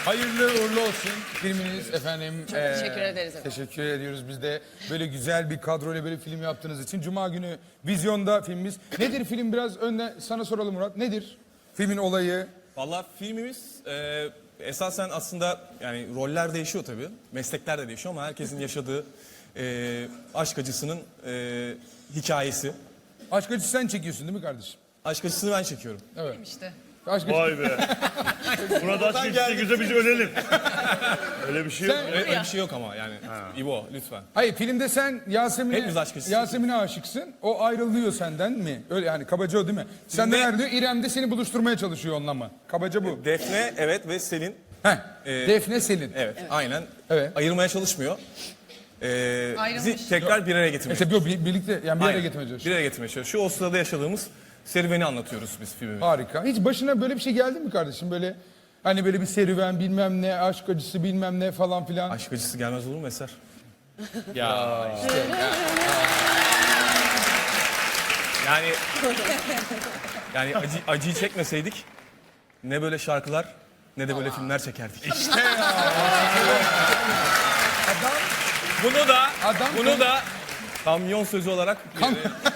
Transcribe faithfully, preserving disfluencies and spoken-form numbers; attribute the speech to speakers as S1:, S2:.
S1: Hayırlı uğurlu olsun filminiz efendim.
S2: Çok teşekkür ederiz efendim.
S1: Teşekkür ediyoruz biz de böyle güzel bir kadroyla böyle film yaptığınız için. Cuma günü vizyonda filmimiz. Nedir film, biraz önden sana soralım Murat. Nedir filmin olayı?
S3: Vallahi filmimiz e, esasen aslında yani roller değişiyor tabii. Meslekler de değişiyor ama herkesin yaşadığı e, aşk acısının e, hikayesi.
S1: Aşk acısı sen çekiyorsun değil mi kardeşim?
S3: Aşk acısını ben çekiyorum.
S1: Evet.
S2: İşte.
S1: Aşk acısı.
S4: Vay be. Burada aşk geçti güzel biz ölelim. Öyle bir şey yok.
S1: Sen-
S3: Öyle, öyle bir şey yok ama yani. İbo lütfen.
S1: Hayır, filmde sen Yasemin'e
S3: Hepimiz aşk acısı.
S1: Yasemin'e aşıksın. O ayrılıyor senden mi? Öyle yani, kabaca o değil mi? Senden
S3: Filmde-
S1: ayrılıyor. İrem de seni buluşturmaya çalışıyor onunla mı? Kabaca bu.
S3: Defne evet ve Selin
S1: Heh.
S3: Ee,
S1: Defne Selin.
S3: evet, aynen
S1: Evet.
S3: ayırmaya çalışmıyor. E,
S2: Ayrılmış.
S3: bizi tekrar bir araya getirmeye
S1: İşte yok, bir- birlikte yani bir
S3: Aynen.
S1: yere getirmeye çalışıyor.
S3: Bir araya getirmeye çalışıyor. O sırada yaşadığımız serüveni anlatıyoruz biz filmimizde.
S1: Harika. Hiç başına böyle bir şey geldi mi kardeşim? Böyle hani böyle bir serüven, bilmem ne, aşk acısı bilmem ne falan filan.
S3: Aşk acısı gelmez olur mu Eser?
S1: Ya işte.
S3: Yani yani acı, acıyı çekmeseydik ne böyle şarkılar ne de böyle filmler çekerdik.
S1: İşte ya. Adam
S3: Bunu da
S1: Adam-
S3: bunu da kamyon sözü olarak
S1: Kam-
S3: e,